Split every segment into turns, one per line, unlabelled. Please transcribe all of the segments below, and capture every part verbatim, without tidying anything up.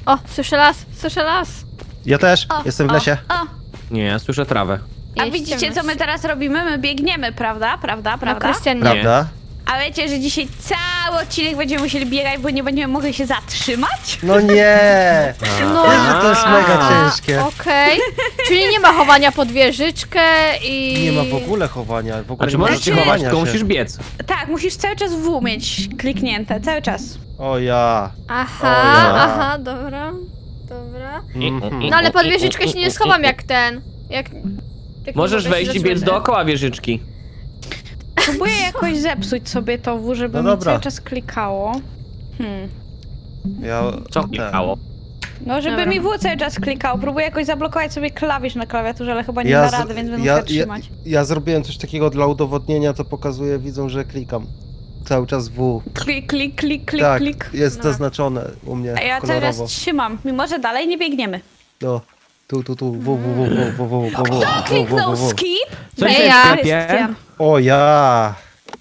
O, słyszę las, słyszę las.
Ja też,
O,
jestem w
o,
lesie.
O,
Nie, ja słyszę trawę.
a
Jest
widzicie, co
ciemność.
my teraz robimy? My biegniemy, prawda? Prawda,
No,
prawda?
Krystian nie.
Prawda?
A wiecie, że dzisiaj cały odcinek będziemy musieli biegać, bo nie będziemy mogli się zatrzymać?
No nie!
No,
Wiesz, że to jest mega
a,
ciężkie.
Okej. Czyli nie ma chowania pod wieżyczkę i...
Nie ma w ogóle chowania. W ogóle
A czy
nie ma
możesz się
Znaczy-
chować,
chowania
tylko
się.
musisz biec.
Tak, musisz cały czas W mieć kliknięte, cały czas.
O ja.
Aha,
O ja.
aha, dobra. Dobra.
Mhm.
No ale pod wieżyczkę się nie schowam jak ten. Jak... jak
Możesz
nie mogę się
wejść i biec
zatrzymać.
dookoła wieżyczki.
Próbuję jakoś zepsuć sobie to W, żeby
No
mi
dobra.
cały czas klikało. Hmm.
Ja...
Co
ten.
klikało?
No, żeby
Dobra.
mi W cały czas klikało. Próbuję jakoś zablokować sobie klawisz na klawiaturze, ale chyba nie
Ja,
da
z-
rady, więc będę
ja,
musiała
ja,
trzymać.
ja zrobiłem coś takiego dla udowodnienia, to pokazuje, widzą, że klikam. Cały czas W.
Klik, klik, klik, klik,
tak,
klik.
jest
No.
zaznaczone u mnie
A ja cały
kolorowo.
czas trzymam, mimo że dalej nie biegniemy.
No. Tu, tu, tu. W, W, W, W, W, W, W, W, W,
Kliknął
W, W.
skip.
Co
Nie
jest
ja.
w sklepie?
Krystian.
O ja.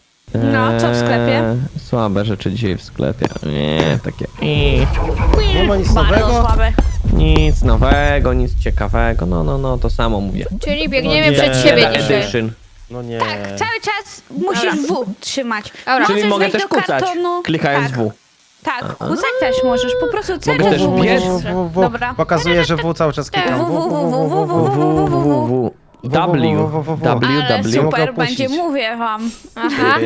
No, co w sklepie?
Eee, Słabe rzeczy dzisiaj w sklepie. Nie, takie... Eee,
Nie ma nic
Bardzo
nowego?
słabe.
nic nowego, nic ciekawego. No, no, no, to samo mówię.
Czyli biegniemy
No nie.
przed siebie
Beta
dzisiaj.
Edition.
No nie.
Tak, cały czas musisz W trzymać.
Dobra.
Możesz
Czyli mogę
wejść
też
do
kucać,
kartonu.
klikając
tak,
W.
Tak, kucać też możesz, po prostu cały
Mogę
czas
też
W
biec?
musisz.
W, W, W.
Dobra.
Pokazuje, że W cały czas klikam.
W, W, W, W, W, W, W,
W, W, W. W, W, W.
Ale
W,
super
Mogę
będzie,
opuścić.
mówię wam.
Aha.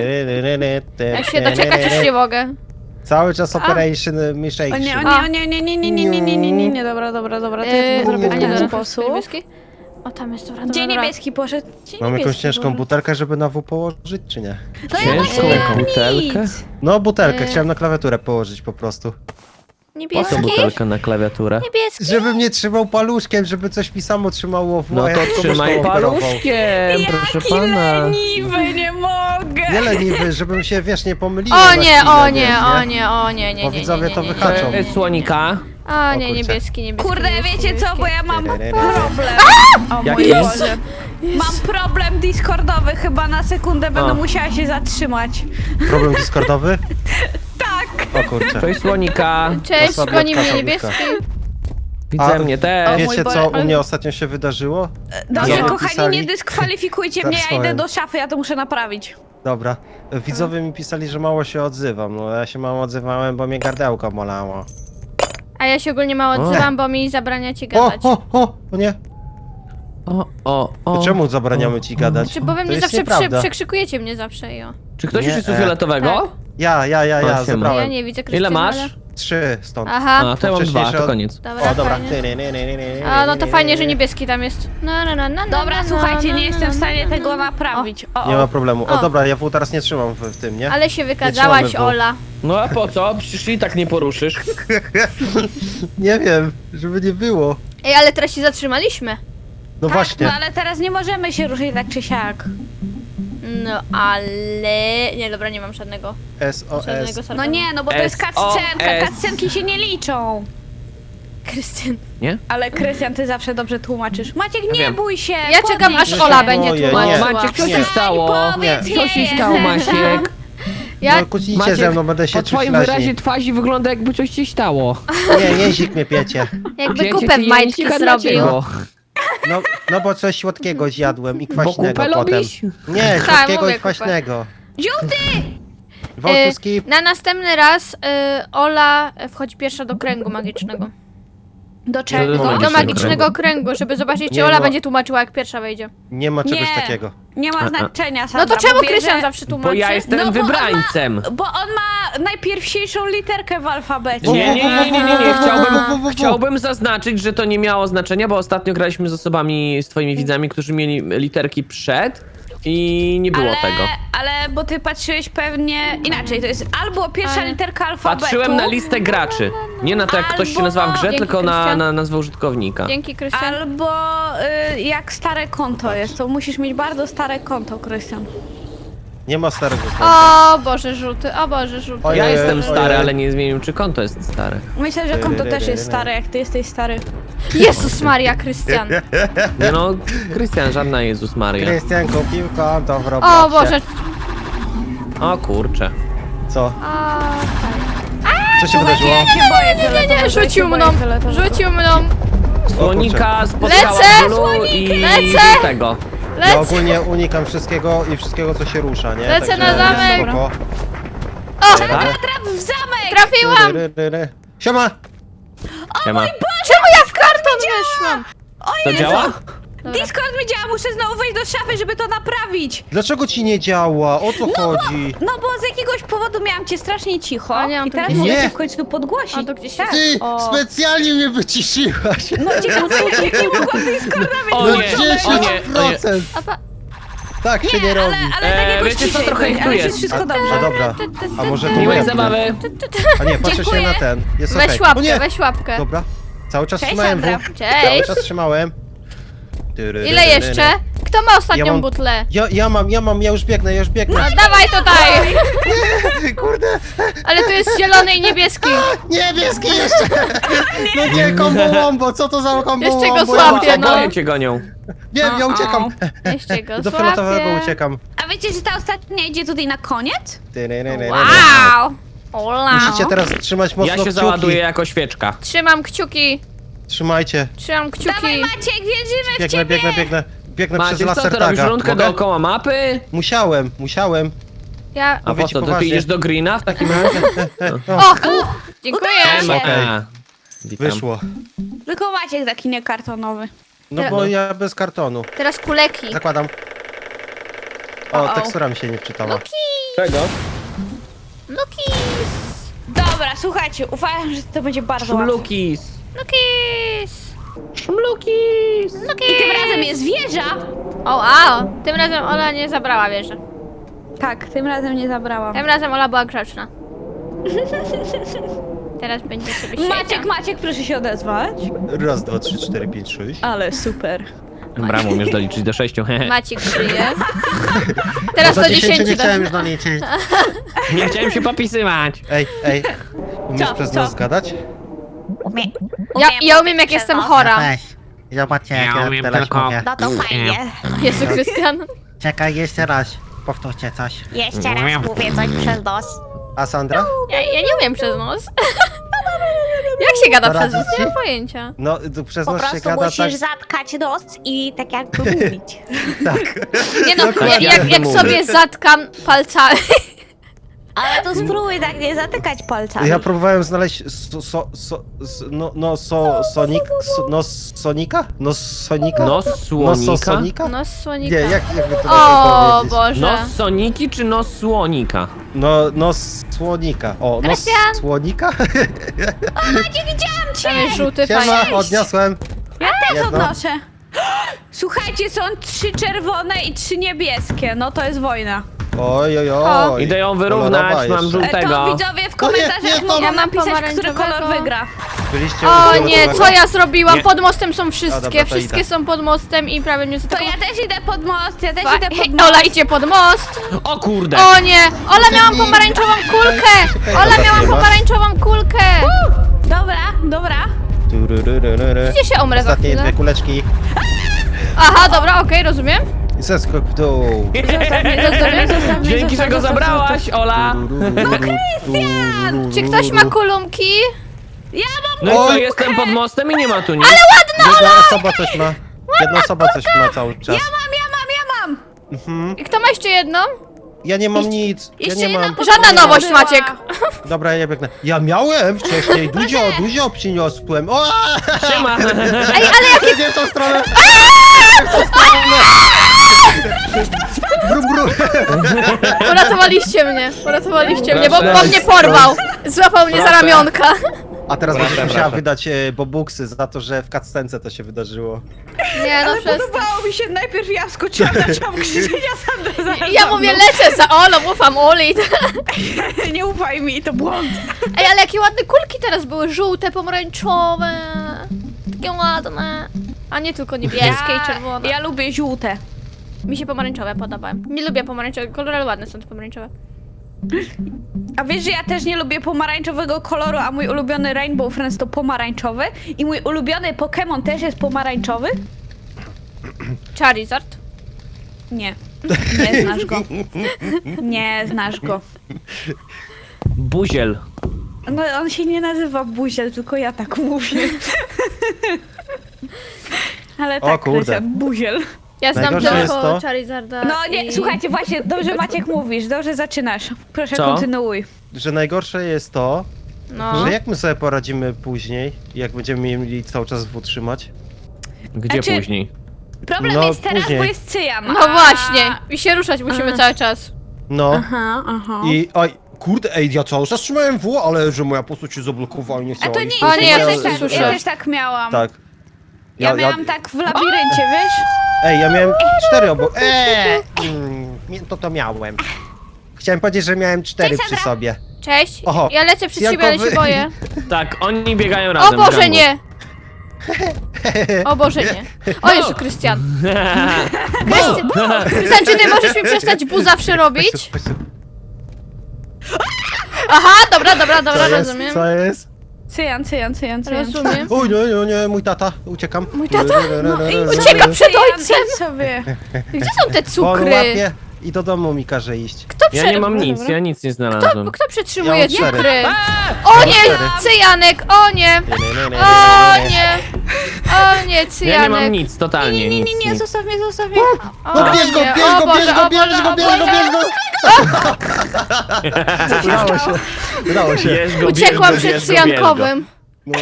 Ja się doczekać już nie mogę.
Cały czas Operation
O
Mishake.
nie, o
A.
nie, o nie, nie, nie, nie, nie, nie, nie, nie, nie, dobra, dobra, dobra, to ja
Eee,
to zrobię w
a nie,
ten
dobra.
sposób.
Niebieski? O, tam jest, dobra,
Gdzie
dobra, dobra.
niebieski poszedł? Gdzie
Mam jakąś
niebieski
ciężką
poszedł?
butelkę, żeby na W położyć, czy nie?
To ja
Ciężką
właśnie nie mam
butelkę?
nic.
No butelkę,
Eee.
chciałem na klawiaturę położyć po prostu.
Po
Niebieski?
co butelkę na klawiaturę?
Niebieski?
Żebym nie trzymał paluszkiem, żeby coś mi samo trzymało w
No
a ja
to
tylko
trzymaj
myszką operował.
paluszkiem, proszę
Jaki
pana.
leniwy, nie mogę.
Nie leniwy, żebym się, wiesz, nie pomylił.
O nie, o nie, o nie, o nie, nie,
Bo
nie,
widzowie
nie,
to
nie, nie,
wyhaczą.
nie.
E, Słonika.
O
O
nie,
kurczę.
niebieski, niebieski.
Kurde,
niebieski,
wiecie co, bo
niebieski.
ja mam
Re, re, re.
problem. O mój
Jaki?
Boże. Mam problem discordowy, chyba na sekundę będę
O.
musiała się zatrzymać.
Problem discordowy?
Tak.
O kurczę.
Cześć Słonika.
Cześć,
Osobniutka,
goni mnie
osobniutka.
niebieski.
Widzę
A
mnie
O
też.
mój
Wiecie
Boże,
co u
ale-
mnie ostatnio się wydarzyło?
Dobrze,
Widzowie
kochani,
pisali-
nie dyskwalifikujcie
Tak
mnie, ja idę
swoim.
do szafy, ja to muszę naprawić.
Dobra. Widzowie mi pisali, że mało się odzywam. No ja się mało odzywałem, bo mnie gardełko bolało.
A ja się ogólnie mało
O.
odzywam, bo mi zabraniacie
O,
gadać.
o, o, o nie.
O, o, o.
Czemu zabraniamy ci gadać?
Czy bo wy
To
mnie
jest
zawsze przy,
nieprawda.
przekrzykujecie mnie zawsze i o.
Czy ktoś
Nie,
już jest u
e.
fioletowego?
Tak.
Ja, ja, ja,
O,
ja,
siema.
Ja
zabrałem.
nie widzę
Ile
Krystiana,
masz?
ale-
Trzy stąd.
Aha,
A, to ja mam dwa,
Wcześniejsze
to
od-
koniec.
dobra,
O, dobra.
fajnie. A, no to fajnie, że niebieski tam jest. No, no, no, no,
Dobra,
no,
słuchajcie,
no,
nie
no,
jestem w
no,
stanie
no, no,
tego
no.
naprawić. O,
Nie ma
o.
problemu. O,
O.
dobra, ja w teraz nie trzymam w, w tym, nie?
Ale się wykadzałaś,
trzymamy w.
Ola.
No a po co? Przecież i tak nie poruszysz.
Nie wiem, żeby nie było.
Ej, ale teraz się zatrzymaliśmy.
No
Tak,
właśnie.
no ale teraz nie możemy się ruszyć tak czy siak.
No, ale... Nie, dobra, nie mam żadnego,
S O S.
żadnego
No
sarkazmu.
nie, no bo to jest
S O S.
cutscenka, cutscenki się nie liczą.
Krystian.
Nie?
Ale Krystian, ty zawsze dobrze tłumaczysz. Maciek, nie
wiem.
bój się!
Ja czekam,
podnieś
aż
się.
Ola będzie
Boję,
tłumaczyła.
nie.
Maciek, co
Nie.
się stało?
Powiedz
Nie.
Co się
nie.
stało, Maciek?
Ja...
No kłócicie ze mną, będę się
po
czuć
twoim
raźniej.
wyrazie twarzy wygląda jakby coś ci stało.
Nie, jęzik mnie piecie.
Jakby
Pięcie
kupę
ci
w majtki
języka,
zrobił.
dlaczego?
No, no bo coś słodkiego zjadłem i
Bo
kwaśnego
kupę
potem.
lubisz?
Nie,
Tak,
słodkiego
mówię
i kwaśnego.
Żółty!
Y,
Wątku skip.
na następny raz y, Ola wchodzi pierwsza do kręgu magicznego.
Do czego?
Do
Do
magicznego
magicznego kręgu, żeby zobaczyć, czy
Nie,
Ola
no.
będzie tłumaczyła, jak pierwsza wejdzie.
Nie ma czegoś
Nie.
takiego.
Nie ma
A, a.
znaczenia,
No
Sandra,
to czemu
bo bierze-
Krystian zawsze tłumaczy?
Bo ja jestem
No, bo on ma-
wybrańcem.
Bo on ma najpierwsiejszą literkę w alfabecie.
Nie, nie, nie, nie, nie, nie.
Wo, wo, wo, wo, wo,
Chciałbym,
wo.
chciałbym zaznaczyć, że to nie miało znaczenia, bo ostatnio graliśmy z osobami, z twoimi widzami, którzy mieli literki przed i nie było
ale,
tego.
ale bo ty patrzyłeś pewnie inaczej, to jest albo pierwsza
Ale-
literka alfabetu.
Patrzyłem na listę graczy. Nie na to, jak ktoś się
Albo-
nazywa w grze,
Dzięki,
tylko na,
Krystian.
na nazwę użytkownika.
Dzięki, Krystian.
Albo y, jak stare konto jest, to musisz mieć bardzo stare konto, Krystian.
Nie ma starego konta.
O Boże, żółty, o Boże, żółty.
Ojej,
Ja jestem
ojej.
stary, ale nie zmienił, czy konto jest stare.
Myślę, że konto też jest stare, jak ty jesteś stary.
Jezus Maria, Krystian.
Nie no, Krystian, żadna Jezus Maria.
Krystian kupił konto w Robloxie.
O Boże.
O kurcze.
Co?
A,
Co się wydarzyło?
Ja się boję
Nie, nie,
fioletowego,
rzucił
ja się
mną,
boję fioletowego.
rzucił mną.
Słonika spotkała
Lecę!
Bulu i
Lecę!
tego.
Ja
Lecę.
ogólnie unikam wszystkiego i wszystkiego, co się rusza, nie?
Lecę
Także
na zamek.
spoko.
O,
Tak?
Traf w zamek!
trafiłam.
Ry, ry, ry. Siema!
Siema.
Czemu ja w karton weszłam?
To działa?
Dobra.
Discord mi działa, muszę znowu wejść do szafy, żeby to naprawić.
Dlaczego ci nie działa? O co chodzi?
No bo z jakiegoś powodu miałam cię strasznie cicho
A nie mam
i
tu
teraz
gdzieś-
mogę
Nie.
cię w końcu podgłosić.
A to gdzieś
tak.
Ty
O.
specjalnie mnie wyciszyłaś!
No ciekawe, jak nie mogłam Discorda mieć
O
No
nie,
włączonego.
o nie, o
dziesięć
nie.
procent!
A pa...
Tak się nie
Nie,
robi.
ale, ale tak
Eee,
jakoś
wiecie co,
ciszej
trochę
będzie,
ich tu
ale
jest.
jest wszystko
A,
dobrze.
a dobra, a może to
Miłej
moja
zabawy.
A nie, patrzę się
Dziękuję.
na ten. Jest
Weź
okej. O
łapkę,
nie!
weź łapkę.
Dobra. Cały czas
Cześć,
trzymałem
Sandra.
w.
Cześć.
Cały czas trzymałem.
Ile jeszcze? Kto ma ostatnią
Ja mam-
butlę?
Ja, ja mam, ja mam, ja już biegnę, ja już biegnę.
No dawaj tutaj!
Kurde!
Ale tu jest zielony i niebieski.
Niebieski jeszcze! No nie, combo wombo, co to za combo
Jeszcze go
wombo?
złapię,
Ja
no.
uciekam.
Oboje cię gonią.
Wiem, ja
O, o.
uciekam.
Jeszcze go
Do fioletowego
złapię.
uciekam.
A wiecie, że ta ostatnia idzie tutaj na koniec?
Wow! Ola!
Musicie teraz trzymać mocno
Ja się
kciuki.
załaduję jako świeczka.
Trzymam kciuki.
Trzymajcie.
Trzymam
Dawaj
kciuki.
Maciek, wierzymy w
Biegnę,
ciebie!
biegnę, biegnę. Biegnę
Maciek,
przez
co ty
laser
robisz?
taga.
Rundkę
Mogę?
dookoła mapy?
Musiałem, musiałem.
Ja...
A
Mówię
po
ci
co, to ty
poważnie.
idziesz do Greena w takim razie?
O! Dziękuję.
Udało się.
Okej.
A, witam.
Wyszło.
Tylko Maciek taki niekartonowy.
No bo ja bez kartonu.
Teraz kuleki.
Zakładam. O,
O-o.
tekstura mi się nie wczytała.
Czego?
Lukis!
Dobra, słuchajcie, uważam, że to będzie bardzo łatwe.
Szumlukis.
Lukis!
Szumlukis.
Lukis!
I tym razem jest wieża!
O, wow! Tym razem Ola nie zabrała wieży.
Tak, tym razem nie zabrałam.
Tym razem Ola była grzeczna. Teraz będzie sobie siedział.
Maciek, Maciek, proszę się odezwać.
Raz, dwa, trzy, cztery, pięć, sześć.
Ale super.
Dobra, umiesz doliczyć do sześciu. hehe.
Maciek żyje. Teraz
Do
do
dziesięciu
dziesięciu.
nie
do-
chciałem już doliczyć.
Nie chciałem się popisywać.
Ej, ej. Umiesz
Co,
przez
co?
nos gadać?
Umie,
Ja, ja umiem jak jestem chora.
Weź. Zobaczcie jak
Ja
ja
umiem
teraz
tylko-
mówię.
No to fajnie.
Jezu Krystian.
Czekaj, jeszcze raz. Powtórzcie coś.
Jeszcze raz mówię coś przez nos.
A Sandra?
Ja, ja nie umiem przez nos. Jak się gada przez nos?
Poradzić
Nie
ci?
mam pojęcia.
No, tu przez
Po
nos się
prostu
gada
musisz
tak,
zatkać nos i tak jakby mówić.
tak.
Nie no,
Dokładnie.
jak, jak, jak
Mówię.
sobie zatkam palcami.
Ale to spróbuj tak nie zatykać palcami.
Ja próbowałem znaleźć so, so, so, so, no, no, so, sonik, so, no, sonika? No, sonika?
Nos
No,
słonika?
so, sonika?
Nos słonika.
Nie, jak, jakby to
O
lepiej powiedzieć?
Boże.
Nos soniki czy nos słonika?
No, no, słonika. O, no,
Krystian!
słonika?
Maciek, widziałam cię!
Tam jest żółty
Siema,
fajny.
odniosłem.
Ja też
Jedno.
odnoszę. Słuchajcie, są trzy czerwone i trzy niebieskie. No to jest wojna.
Oj, oj,
O.
oj.
Idę ją
Kolorowa
wyrównać, mam
jeszcze.
żółtą.
E, to
Tego.
widzowie w
No nie,
komentarzach
nie, to-
mogą
Ja mam
napisać, który kolor
pomarańczowego.
wygra.
Byliście u
O nie,
fioletowego?
co ja zrobiłam?
Nie.
Pod mostem są wszystkie.
dobra, to
Wszystkie
idę.
są pod mostem i prawie mnie
To
zaatakowały.
ja też idę pod most, ja też
Fa-
idę pod
Hej,
most.
Ola idzie pod most.
O kurde!
O nie! Ola miałam pomarańczową kulkę! Ola miałam pomarańczową kulkę!
Dobra, dobra.
Tururururu.
Gdzie się umrę za
Ostatnie
chwilę?
dwie kuleczki.
Aha, dobra, okej, rozumiem.
I zeskok w dół.
Zostaw mnie, zostaw mnie, zostaw mnie,
Dzięki, że
zostaw,
go
zostaw,
zabrałaś, Ola!
Czy ktoś ma kulumki?
Ja mam
No i co,
Oj.
jestem pod mostem i nie ma tu nic.
Jedna osoba coś ma. Jedna osoba coś ma cały czas.
Ja mam, ja mam, ja mam!
Mhm.
I kto ma jeszcze jedną?
Ja nie mam nic. Ja
Jeszcze
nie
jedna
mam.
pod-
Żadna
Była.
nowość, Maciek.
Dobra, ja biegnę. Ja miałem wcześniej. Duzio, Duzio przyniosłem. O!
Siema!
Ej, ale jak...
Nie w tą stronę. Nie w tą stronę. Brum, brum.
Uratowaliście mnie, uratowaliście mnie, bo,
Proszę.
bo mnie porwał. Złapał mnie za
Proszę.
ramionka.
A teraz
Proszę,
będziesz musiała
proszę.
wydać e, bobuksy za to, że w cutscence to się wydarzyło.
Nie, no
Ale
przestań.
podobało mi się, najpierw ja wskoczyłam, zaczęłam krzyczeć, a Sandra zaraz
Ja
za
mówię,
mną.
lecę za Olą, ufam Oli.
Nie ufaj mi, to błąd.
Ej, ale jakie ładne kulki teraz były, żółte, pomarańczowe. Takie ładne. A nie tylko niebieskie i czerwone.
Ja lubię żółte.
Mi się pomarańczowe podobają. Nie lubię pomarańczowego koloru, ale ładne są te pomarańczowe.
A wiesz, że ja też nie lubię pomarańczowego koloru, a mój ulubiony Rainbow Friends to pomarańczowy i mój ulubiony Pokémon też jest pomarańczowy?
Charizard.
Nie. Nie znasz go. Nie znasz go.
Buziel.
No on się nie nazywa Buziel, tylko ja tak mówię. Ale
O
tak,
kurde.
Krystian, Buziel.
Ja znam
Najgorsze jest
tylko
to-
Charizarda
No nie,
i...
słuchajcie, właśnie, dobrze Maciek mówisz, dobrze zaczynasz. Proszę,
Co?
kontynuuj.
Że najgorsze jest to,
No.
że jak my sobie poradzimy później, jak będziemy mieli cały czas W trzymać?
Gdzie
Znaczy-
później?
Problem
No,
jest teraz,
później.
bo jest cyjan.
No
a-
właśnie. I się ruszać musimy cały czas.
No.
Aha, aha.
I oj, kurde, ej, ja cały czas trzymałem W, ale że moja postać się zablokowała i nie
A
chciała
to
iść.
nie,
O nie,
ja,
ja
też
coś
tak,
słyszę.
ja też tak miałam.
Tak.
Ja, miałam tak w labiryncie, wiesz?
Ej, ja miałem cztery obok. Eee, mm, nie, to to miałem. Chciałem powiedzieć, że miałem cztery
Cześć,
przy
Sandra.
sobie.
Cześć.
Oho,
Ja lecę przed ciebie, ale się
Jankowy-
boję.
Tak, oni biegają
O
razem.
Boże,
Django.
nie! O Boże, nie. O Jezu, Krystian. Krystian, Krystian, czy ty możesz mi przestać bu zawsze robić?
Chodź tu, chodź tu.
Aha, dobra, dobra, dobra,
Co jest?
rozumiem.
Co jest?
Cyjan, cyjan, cyjan, cyjan.
Rozumiem.
Oj, nie, nie, nie, mój tata, uciekam.
Mój tata?
No
i
Ucieka przed
Cyjan,
ojcem!
idź sobie.
Gdzie są te
On
cukry?
łapie i do domu mi każe iść.
Kto,
Ja
prze...
nie mam nic, ja nic nie znalazłem.
kto, kto przetrzymuje
Ja mam cztery.
cukry?
Ja
O
mam
nie,
cztery.
cyjanek, o nie!
Nie, nie, nie, nie,
O
nie, nie.
nie! O nie,
Ja nie mam
cyjanek.
nic, totalnie
Nie, nie,
nic.
nie, nie,
nic.
zostaw mnie, zostaw mnie.
O
No bierz go,
nie,
bierz
o
go,
Boże,
bierz go,
o
bierz
Boże,
go,
o
bierz go,
Boże.
bierz go! Udało się, udało się.
Bierz go,
Uciekłam
bierz go,
przed
bierz go, bierz go.
cyjankowym.
No.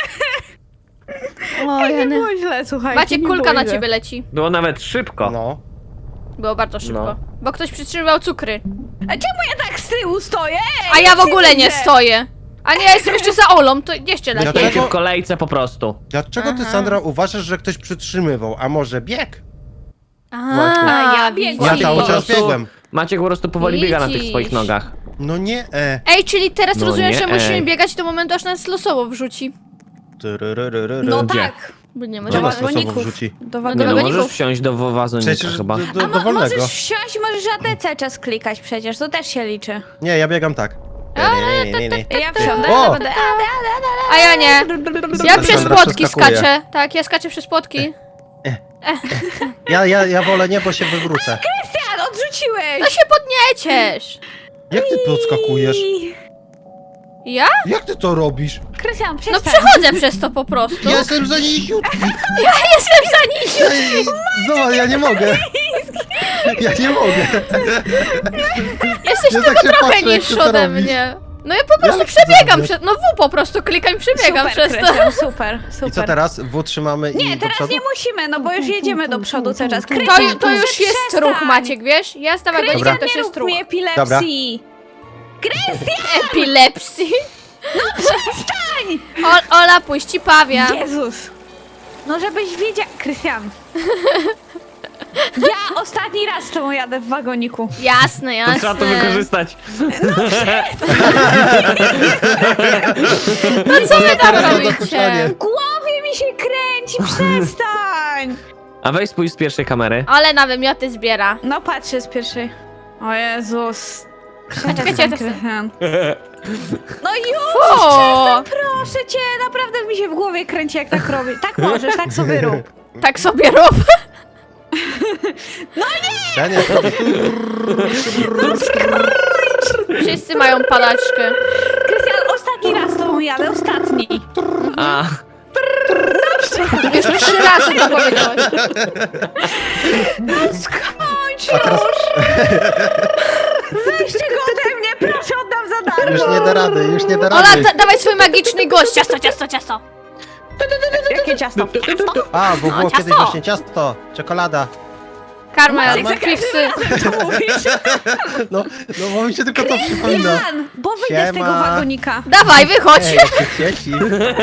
O
Nie
Jany.
było źle, słuchajcie.
Maciek,
nie
kulka
było
na
źle.
ciebie leci.
Było nawet szybko.
No.
Było bardzo szybko.
No.
Bo ktoś przytrzymywał cukry.
A czemu ja tak z tyłu stoję? Ej,
A ja w
nic
ogóle nie
widzę.
stoję. A nie, ja jestem jeszcze za Olą, to jeszcze lepiej.
Stoicie
Dlatego-
w kolejce po prostu.
Dlaczego ty,
Aha.
Sandra, uważasz, że ktoś przytrzymywał, a może bieg?
A,
ja
widzisz.
Ja cały
Po
czas
prostu
biegłem.
Maciek po prostu powoli biega na tych
Widzisz.
swoich nogach.
No nie, e.
Ej, czyli teraz
No
rozumiem,
nie,
że musimy
ej.
biegać do momentu, aż nas losowo wrzuci.
Tyryryryryry.
No
Gdzie?
tak.
Bo nie
Gdzie
może
nas losowo
wagoników.
wrzuci?
Do
No
Nie
do
no,
wagoników.
możesz wsiąść do wazonika
Przecież
chyba.
do,
A
do,
mo-
dowolnego.
możesz wsiąść, możesz A D C czas klikać przecież, to też się liczy.
Nie, ja biegam tak. Nie, nie, nie, nie, nie.
Ja wsiądę,
O!
będę A D, A D, A D,
A ja nie. Ja przez
Sandra
płotki
przeskakuje.
skaczę. Tak, ja skaczę przez płotki.
Ja, ja, ja wolę nie, bo się wywrócę.
Krystian,
No
odrzuciłeś!
się podnieciesz.
Jak ty podskakujesz?
Ja?
Jak ty to robisz?
Krystian,
No
przestań.
przechodzę przez to po prostu.
Ja jestem za niziutki.
Ja jestem za nisiu.
Ej, Zobacz, ja nie mogę. Ja nie mogę.
Jesteś
Ja
tylko
tak się
trochę
patrzę, jak ty
niższy
to
ode
robisz.
mnie. No ja po prostu
Jak
przebiegam
zrobić?
przez... No W po prostu klikam i przebiegam
Super,
przez to.
Krystian, super, super.
I co teraz? W trzymamy i
Nie,
do
teraz
przodu?
nie musimy, no bo już jedziemy do przodu cały czas.
To,
Krystian,
ju- to już
przestań.
jest ruch, Maciek, wiesz? Jazda wagonika
Krystian,
to
nie
już jest
rób
ruch.
mi epilepsji.
Epilepsji.
No przestań!
O, Ola, puści pawia.
Jezus! No żebyś wiedział... Krystian. Ja ostatni raz z tobą jadę w wagoniku.
Jasne,
To
jasne.
trzeba to wykorzystać.
No co wy tam
Teraz
robicie?
dokuczanie.
W głowie mi się kręci, przestań!
A weź spójrz z pierwszej kamery.
Ale na wymioty zbiera.
No patrzę z pierwszej. O Jezus.
A czekajcie, ja też chcę.
Krystian. No już!
O,
Proszę cię, naprawdę mi się w głowie kręci jak tak robię. Tak możesz, tak sobie rób.
tak sobie rób.
Ja nie,
Wszyscy mają palaczkę.
Krystian, ostatni raz z tobą jadę, ostatni.
A,
Już trzy razy to powiedziałeś.
Skończ
a teraz
Weźcie go ode mnie, proszę, oddam za darmo.
już nie da rady, już nie da
Ola,
rady.
da dawaj swój magiczny gość. Ciasto, ciasto, ciasto.
Jakie ciasto?
A, bo
No,
było
ciasto.
kiedyś właśnie ciasto, czekolada.
Karma,
Karma?
fiksy.
Co mówisz?
No, no bo mi się tylko to przypomina.
Jan, bo wyjdę z tego
Siema.
wagonika.
Dawaj, wychodź.
Ej, jakie dzieci.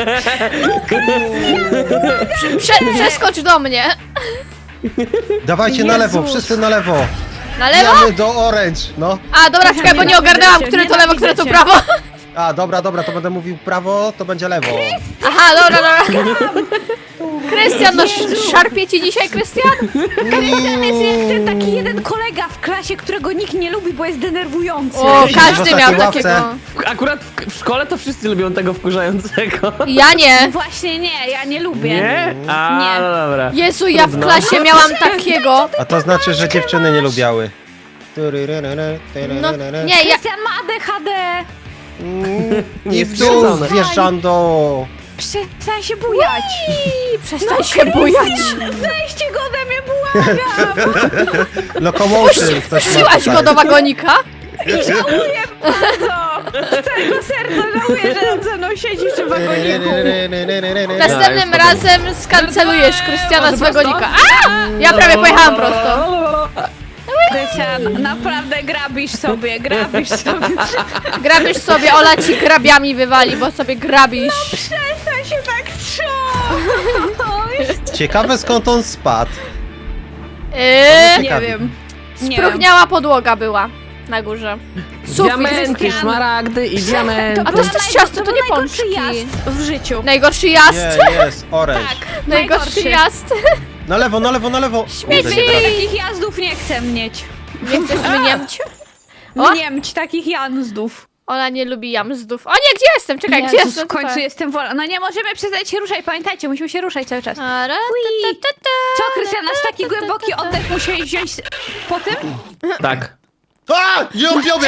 Prze przeskocz do mnie.
Dawajcie na lewo,
Jezus.
wszyscy na lewo.
Na lewo?
Jamy do orange, no.
A, dobra, czekaj, bo nie ogarnęłam, które to lewo, które to prawo.
A, dobra, dobra, to będę mówił prawo, to będzie lewo.
Aha, dobra, dobra. Krystian, no sz- szarpie ci dzisiaj, Krystian?
Krystian jest jak ten taki jeden kolega w klasie, którego nikt nie lubi, bo jest denerwujący.
O,
Siedzi w
każdy
ostatniej
miał
ławce.
takiego.
w- akurat w, w szkole to wszyscy lubią tego wkurzającego.
Ja nie.
Właśnie nie, ja nie lubię.
Nie? A,
Nie.
no dobra.
Jezu, ja w
Trudno.
klasie miałam takiego.
A to znaczy, że dziewczyny nie lubiały.
No, nie, ja...
Krystian ma A D H D.
I w dół,
Niestwierdzone.
zwierzędo!
Przestań się bujać.
I przestań się bujać.
Zejdźcie go ode mnie, błagam.
Locomotion ktoś ma
Wpuściłaś
tutaj.
go do wagonika?
Żałuję bardzo. Z całego serca żałuję, że on ze mną siedzi w tym wagoniku.
Następnym
już
razem skancelujesz Krystiana z wagonika. A! Ja prawie pojechałam prosto.
Krystian, naprawdę grabisz sobie, grabisz sobie.
Grabisz sobie, Ola ci grabiami wywali, bo sobie grabisz.
Przestań się tak trząść.
Ciekawe skąd on spadł.
Yy,
Nie wiem. Nie wiem.
spróchniała podłoga była na górze. Sufit.
Diamenty,
Krystian.
szmaragdy i diamenty.
A to jest też ciasto, to nie
najgorszy
pączki.
jazd w życiu.
Najgorszy jazd.
Nie, jest, orange.
Tak,
Najgorszy jazd.
Na lewo, na lewo, na lewo!
Śmieci.
Kurde, nie trafię.
Takich jazdów nie chcę mieć.
Nie chcesz mniemć? O!
Mniemć takich jazdów.
Ona nie lubi jamzdów. O nie, gdzie jestem? Czekaj, gdzie
Jezus,
jestem?
w końcu
Tutaj.
jestem wolna. No nie możemy przestać się ruszać, pamiętajcie, musimy się ruszać cały czas.
Ara, ta, ta, ta, ta,
Co, Krystian, aż taki
ta, ta, ta,
głęboki
ta, ta.
oddech musiałeś wziąć s- po tym?
Tak.
A! Ją, ją,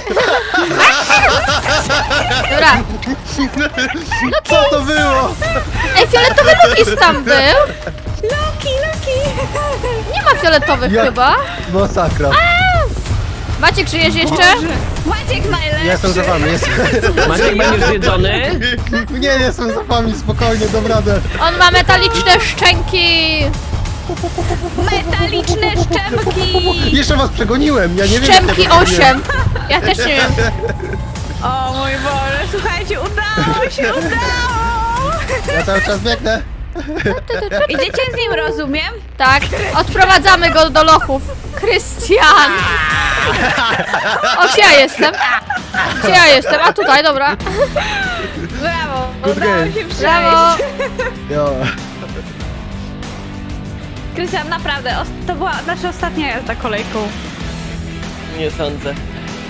Dobra.
Co to było?
Ej, fioletowy Lukis tam był.
Loki, Loki!
Nie ma fioletowych
Jak-
chyba.
Masakra.
Maciek, żyjesz jeszcze?
Maciek najlepszy!
Ja jestem za wami, jestem.
Maciek, będziesz zjedzony?
Nie, jestem za wami, spokojnie, dam radę.
On ma metaliczne szczęki.
Metaliczne szczępki!
Jeszcze was przegoniłem, ja nie wiem.
Szczęki
jak ja to
osiem. Ja też nie wiem.
O mój Boże, słuchajcie, udało się, udało!
Ja cały czas biegnę.
Idziecie z nim, rozumiem?
Tak, odprowadzamy go do lochów. Krystian! O, gdzie ja jestem? Gdzie ja jestem? A tutaj, dobra.
Brawo,
Good
udało
game.
się przejść.
Brawo.
Jo.
Krystian, naprawdę, os- to była nasza ostatnia jazda kolejką.
Nie sądzę.